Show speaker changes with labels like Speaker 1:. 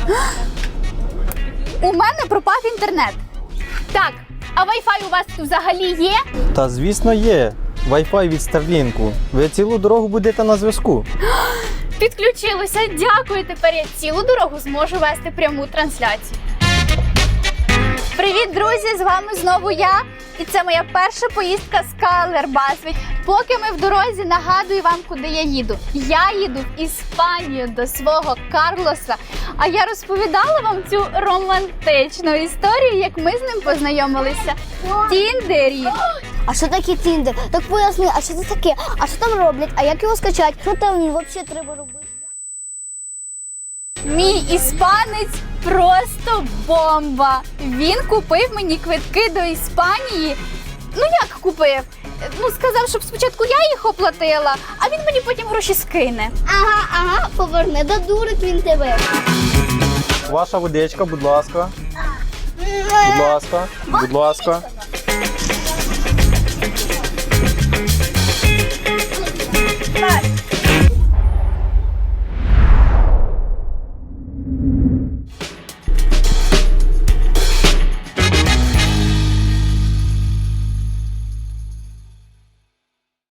Speaker 1: У мене пропав інтернет. Так, а Wi-Fi у вас тут взагалі є?
Speaker 2: Та звісно є. Wi-Fi від Starlink. Ви цілу дорогу будете на зв'язку.
Speaker 1: Підключилося, дякую. Тепер я цілу дорогу зможу вести пряму трансляцію. Привіт, друзі! З вами знову я. І це моя перша поїздка з Калербасвіт. Поки ми в дорозі, нагадую вам, куди я їду. Я їду в Іспанію до свого Карлоса. А я розповідала вам цю романтичну історію, як ми з ним познайомилися в Тіндері.
Speaker 3: А що таке Тіндер? Так поясни, а що це таке? А що там роблять? А як його скачати? Що там взагалі треба робити?
Speaker 1: Мій іспанець просто бомба. Він купив мені квитки до Іспанії. Ну як купив? Ну сказав, щоб спочатку я їх оплатила, а він мені потім гроші скине.
Speaker 3: Ага, поверни, додурить він тебе.
Speaker 2: Ваша водичка, будь ласка. Будь ласка. Будь ласка.